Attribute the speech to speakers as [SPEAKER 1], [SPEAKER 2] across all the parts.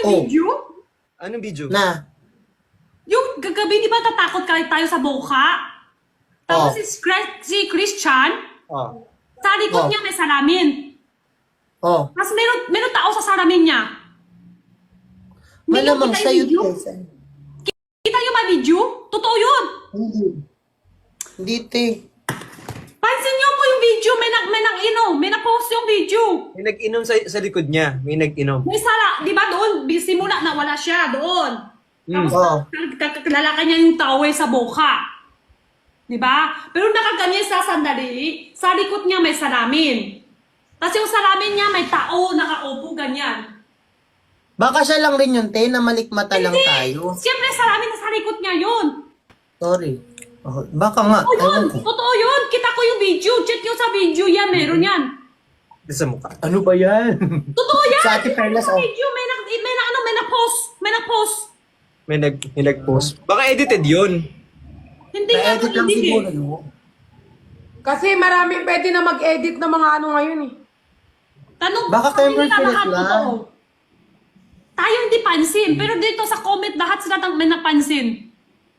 [SPEAKER 1] yung
[SPEAKER 2] Oh.
[SPEAKER 1] video?
[SPEAKER 3] Anong video?
[SPEAKER 2] Na.
[SPEAKER 1] Yung gagabi, di ba tatakot ka tayo sa boka? Tapos
[SPEAKER 2] Oh.
[SPEAKER 1] si Christian,
[SPEAKER 3] Oh.
[SPEAKER 1] sa likod
[SPEAKER 2] Oh.
[SPEAKER 1] niya may salamin.
[SPEAKER 2] Oh.
[SPEAKER 1] Tapos meron tao sa salamin niya. Hindi niyo
[SPEAKER 2] Malamang
[SPEAKER 1] kita yung
[SPEAKER 2] sa'yo,
[SPEAKER 1] video?
[SPEAKER 2] Tessa.
[SPEAKER 1] Kita niyo ba video? Totoo yun.
[SPEAKER 2] Hindi. Hindi, te.
[SPEAKER 1] Pansin niyo po yung video, may na-post yung video.
[SPEAKER 3] May nag-inom sa likod niya. May nag-inom.
[SPEAKER 1] May sala, di ba doon, simula na wala siya doon. Tapos
[SPEAKER 2] Oo.
[SPEAKER 1] lalaki niya yung towel sa boka. Di ba? Pero nakaganyan sa sandali, sa likod niya may salamin. Tapos yung salamin niya may tao nakaupo ganyan.
[SPEAKER 2] Baka siya lang rin yun, te, na malikmata lang tayo.
[SPEAKER 1] Siyempre salamin sa likod niya yun.
[SPEAKER 2] Sorry. Oh, baka nga.
[SPEAKER 1] Totoo yun.
[SPEAKER 2] Ewan ko.
[SPEAKER 1] Totoo yun. Kita ko yung video. Check nyo sa video yan. Meron yan.
[SPEAKER 3] Sa mukha.
[SPEAKER 2] Ano ba yan?
[SPEAKER 1] Totoo yan.
[SPEAKER 2] Sa Ate Perlas,
[SPEAKER 1] Sa
[SPEAKER 2] oh.
[SPEAKER 1] video. May na-post. May na-post.
[SPEAKER 3] May nag-post. Baka edited yun.
[SPEAKER 1] Hindi nga
[SPEAKER 2] Na-edit lang
[SPEAKER 1] hindi
[SPEAKER 2] siguro
[SPEAKER 1] eh.
[SPEAKER 2] yun.
[SPEAKER 4] Kasi maraming pwede na mag-edit ng mga ano ngayon eh.
[SPEAKER 1] Tanong,
[SPEAKER 2] Baka
[SPEAKER 1] sabi
[SPEAKER 2] Cameron
[SPEAKER 1] nila
[SPEAKER 2] Philip
[SPEAKER 1] lahat
[SPEAKER 2] lang.
[SPEAKER 1] totoo. Tayo hindi pansin. Pero dito sa comment, lahat sila may napansin.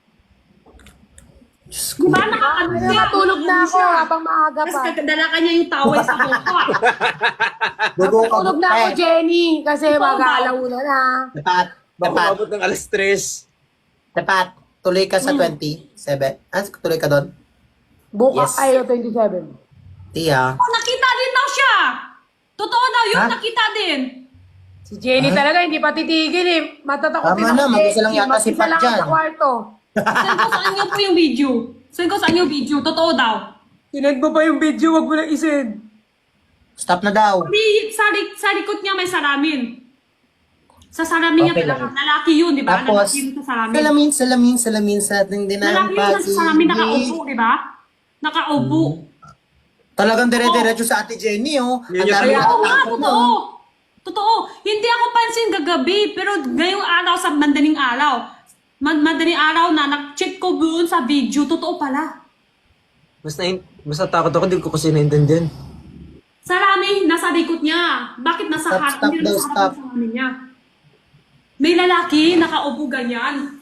[SPEAKER 2] Diyos
[SPEAKER 1] Di
[SPEAKER 2] ko.
[SPEAKER 1] ba nakakano siya?
[SPEAKER 4] Nakatulog na ako habang maaga
[SPEAKER 1] Tapos
[SPEAKER 4] pa.
[SPEAKER 1] dala ka niya yung towel sa boka.
[SPEAKER 2] Dugo ka
[SPEAKER 4] Nakatulog na ako,
[SPEAKER 2] eh.
[SPEAKER 4] Jenny. Kasi
[SPEAKER 1] Ikaw ba?
[SPEAKER 4] mag-aalauna na.
[SPEAKER 2] Dapat.
[SPEAKER 3] Baka
[SPEAKER 2] Dapat.
[SPEAKER 3] umabot ng alas 3.
[SPEAKER 2] Dapat. Tuloy ka sa 27. Tuloy ka doon?
[SPEAKER 4] Bukas
[SPEAKER 2] Yes.
[SPEAKER 4] ay 27.
[SPEAKER 2] Tia.
[SPEAKER 1] Oh, nakita din daw siya. Totoo daw yun,
[SPEAKER 2] Ha?
[SPEAKER 1] nakita din.
[SPEAKER 4] Si Jenny talaga hindi pa titigil eh. Matatakotin
[SPEAKER 2] Tama na,
[SPEAKER 4] ako.
[SPEAKER 2] mag-isa lang yata si
[SPEAKER 4] Mag-isa
[SPEAKER 2] Pat
[SPEAKER 4] lang
[SPEAKER 2] dyan.
[SPEAKER 4] sa kwarto.
[SPEAKER 1] Send ko sa inyo po yung video. Send ko sa inyo video. Totoo daw.
[SPEAKER 4] Sinend mo pa yung video, wag mo na isend.
[SPEAKER 2] Stop na daw.
[SPEAKER 1] Sa likod niya may salamin. Sa salamin niya
[SPEAKER 2] Okay
[SPEAKER 1] talaga.
[SPEAKER 2] lang.
[SPEAKER 1] Lalaki yun, di ba?
[SPEAKER 2] Tapos,
[SPEAKER 1] Lalaki yun sa salamin.
[SPEAKER 2] salamin sa ating dinang
[SPEAKER 1] Lalaki yun sa salamin nakaupo, di ba? Nakaupo.
[SPEAKER 2] Talagang dire-diretso sa Ate Jenny, oh.
[SPEAKER 3] Yun
[SPEAKER 2] Ang
[SPEAKER 3] yung
[SPEAKER 2] dami
[SPEAKER 3] kaya-
[SPEAKER 1] Oo nga,
[SPEAKER 2] natatakot,
[SPEAKER 1] totoo.
[SPEAKER 2] oh.
[SPEAKER 1] Totoo. Hindi ako pansin gagabi, pero ngayong araw sa madaling araw, madaling araw na nag-check ko doon sa video, totoo pala.
[SPEAKER 3] Mas natakot ako. Hindi ko kasi naintindihan.
[SPEAKER 1] Salamin, nasa likod niya. Bakit nasa
[SPEAKER 2] Stop, stop
[SPEAKER 1] hindi
[SPEAKER 2] daw,
[SPEAKER 1] nasa harap
[SPEAKER 2] stop.
[SPEAKER 1] ng salamin niya? May lalaki, nakaupo ganyan.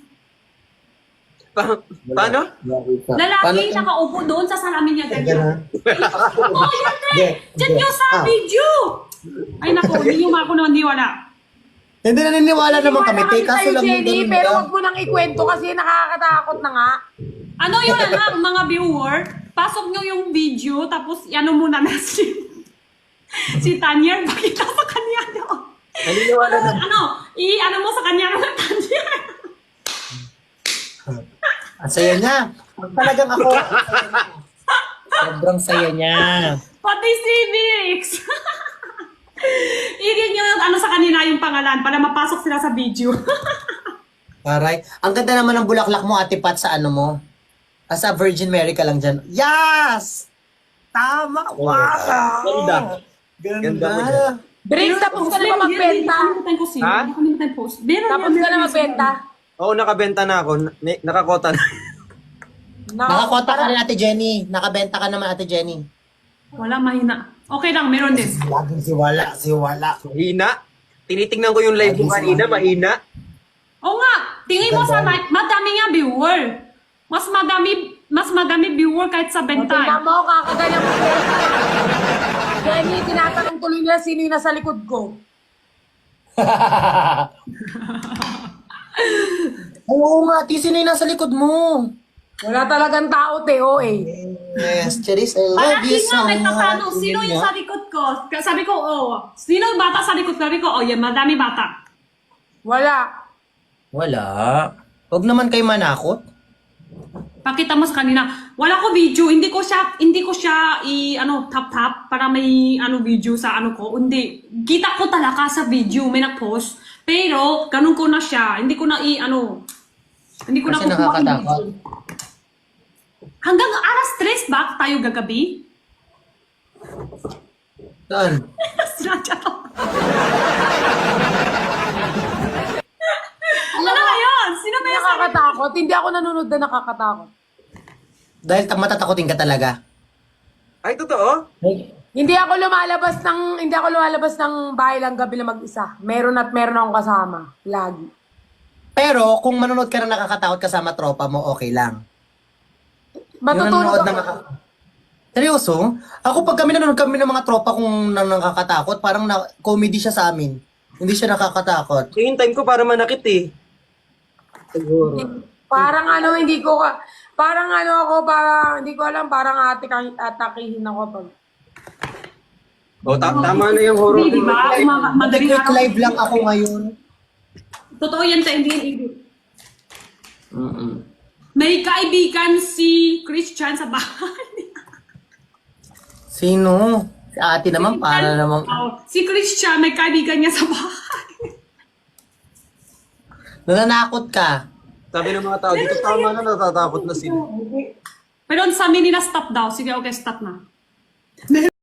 [SPEAKER 3] Paano?
[SPEAKER 1] Lalaki, nakaupo doon sa salamin niya ganyan. Oo, yan, Tre! Check nyo sa video! Ay, naku, hindi nyo ako naman wala.
[SPEAKER 2] Hindi naniniwala naman kami, te. Kaso
[SPEAKER 4] Sa'yo,
[SPEAKER 2] lang yung
[SPEAKER 4] Jenny,
[SPEAKER 2] ganun
[SPEAKER 4] pero
[SPEAKER 2] lang.
[SPEAKER 4] wag mo nang ikwento kasi nakakatakot na nga.
[SPEAKER 1] Ano yun lang, mga viewer? Pasok nyo yung video, tapos ano muna na si Tanya, pakita sa kanya, no?
[SPEAKER 3] Naniniwala na.
[SPEAKER 1] Ano mo sa kanya ng Tanya?
[SPEAKER 2] Ang saya niya. Talagang ako. Sobrang saya niya.
[SPEAKER 1] Pati si Vix! I-read nyo yung ano sa kanila yung pangalan para mapasok sila sa video.
[SPEAKER 2] Aray. Ang ganda naman ng bulaklak mo, Ate Pat, sa ano mo. Sa Virgin Mary ka lang dyan. Yes! Tama! Wow!
[SPEAKER 3] Ganda.
[SPEAKER 2] Ganda.
[SPEAKER 3] Ganda mo dyan.
[SPEAKER 4] Break, tapos ka na ba magbenta?
[SPEAKER 1] Nakalimutan ko sino.
[SPEAKER 3] Ha?
[SPEAKER 1] Nakalimutan ko. Meron
[SPEAKER 4] Tapos
[SPEAKER 1] yan,
[SPEAKER 4] ka na
[SPEAKER 1] meron
[SPEAKER 4] magbenta?
[SPEAKER 3] Oo, nakabenta na ako. Nakakota na.
[SPEAKER 2] Nakakota ka rin, Ate Jenny. Nakabenta ka naman, Ate Jenny.
[SPEAKER 1] Wala, mahina. Okay lang, meron din.
[SPEAKER 2] Laging siwala.
[SPEAKER 3] Mahina. Tinitingnan ko yung live mo kanina. Mahina.
[SPEAKER 1] Oo nga, tingin mo sa live, madami nga viewer. Mas madami viewer kahit sa
[SPEAKER 4] Tingnan
[SPEAKER 1] benta.
[SPEAKER 4] mo, kakaganyan mo. Jenny, tinatanong tuloy nila sino yung nasa likod ko.
[SPEAKER 2] Oo nga, Ate, sino yung nasa likod mo?
[SPEAKER 4] Wala talagang tao, Teo eh.
[SPEAKER 2] Yes, Charis, I love
[SPEAKER 1] Palagi
[SPEAKER 2] you
[SPEAKER 1] nga
[SPEAKER 2] so
[SPEAKER 1] may
[SPEAKER 2] much.
[SPEAKER 1] tatanong, sino yung sa likod ko? Sabi ko, sino yung bata sa likod ko? Sabi ko, yan, madami bata.
[SPEAKER 4] Wala.
[SPEAKER 2] Wala. Huwag naman kayo manakot.
[SPEAKER 1] Pakita mo sa kanina. Wala ko video, hindi ko siya tap para may video sa ko. Hindi. Kita ko talaga sa video, may nag-post. Pero ganun ko na siya. Hindi ko na hindi ko na
[SPEAKER 2] Kasi
[SPEAKER 1] kukuha yung
[SPEAKER 2] nakakatakot.
[SPEAKER 1] video. Hanggang alas 3 ba tayo gagabi?
[SPEAKER 2] Saan?
[SPEAKER 1] Sinadya to. Ano na yun? Sino ba yung
[SPEAKER 4] Nakakatakot. Hindi ako nanonood na nakakatakot.
[SPEAKER 2] Dahil matatakotin ka talaga.
[SPEAKER 3] Ay, totoo?
[SPEAKER 4] Hindi ako lumalabas ng bahay lang gabi na mag-isa. Meron akong kasama. Lagi.
[SPEAKER 2] Pero kung manonood ka na nakakatakot kasama tropa mo, okay lang.
[SPEAKER 4] Matutulog
[SPEAKER 2] Yung
[SPEAKER 4] ako.
[SPEAKER 2] Seryoso? Ako pag kami nanonood kami ng mga tropa kung nakakatakot, parang comedy siya sa amin. Hindi siya nakakatakot.
[SPEAKER 3] Yung time ko para manakit eh. Siguro.
[SPEAKER 4] Parang hindi ko alam, parang atakihin ako pag.
[SPEAKER 3] O, tama na yung horror.
[SPEAKER 1] Hindi, di ba? Madaling
[SPEAKER 2] Quick
[SPEAKER 1] araw.
[SPEAKER 2] live lang ako ngayon.
[SPEAKER 1] Totoo yan sa hindi edit.
[SPEAKER 3] Mm-mm.
[SPEAKER 1] May kaibigan si Christian sa bahay.
[SPEAKER 2] Sino? Si ate naman, para namang...
[SPEAKER 1] Oh, si Christian, may kaibigan niya sa bahay.
[SPEAKER 2] Nananakot ka.
[SPEAKER 3] Sabi ng mga tao, dito tama na, natatakot na sila.
[SPEAKER 1] Pero sa amin nila stop daw. Sige, okay, stop na.